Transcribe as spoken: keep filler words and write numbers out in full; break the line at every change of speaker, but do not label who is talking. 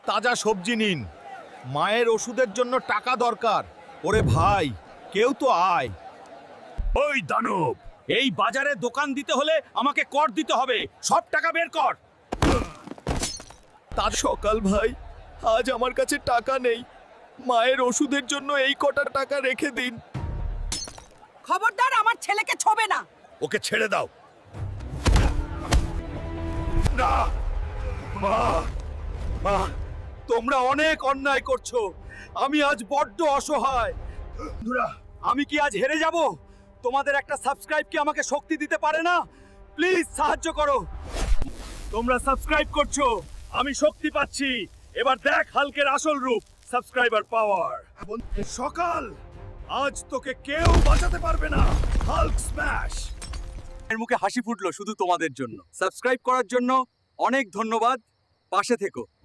তাজা সবজি নিন। মায়ের ওষুধের জন্য টাকা দরকার। ওরে ভাই, কেউ তো আয়।
ওই দানব,
এই বাজারে দোকান দিতে হলে আমাকে কর দিতে হবে। সব টাকা বের কর। তার সকাল ভাই, আজ আমার কাছে টাকা নেই। মায়ের ওষুধের জন্য এই কটা টাকা রেখে দিন।
খবরদার আমার ছেলেকে ছোবে না।
ওকে ছেড়ে দাও। না মা,
মা, তোমরা অনেক অন্যায় করছো। আমি আজ বড্ড অসহায়।
বন্ধুরা,
আমি কি আজ হেরে যাব? তোমাদের একটা সাবস্ক্রাইব কি আমাকে শক্তি দিতে পারে না? প্লিজ সাহায্য করো। তোমরা সাবস্ক্রাইব করছো, আমি শক্তি পাচ্ছি। এবার দেখ হাল্কের আসল রূপ, সাবস্ক্রাইবার পাওয়ার।
সকাল, আজ তোকে কেউ বাঁচাতে পারবে না। Hulk smash.
এর মুখে হাসি ফুটলো শুধু তোমাদের জন্য। সাবস্ক্রাইব করার জন্য অনেক ধন্যবাদ। পাশে থেকো।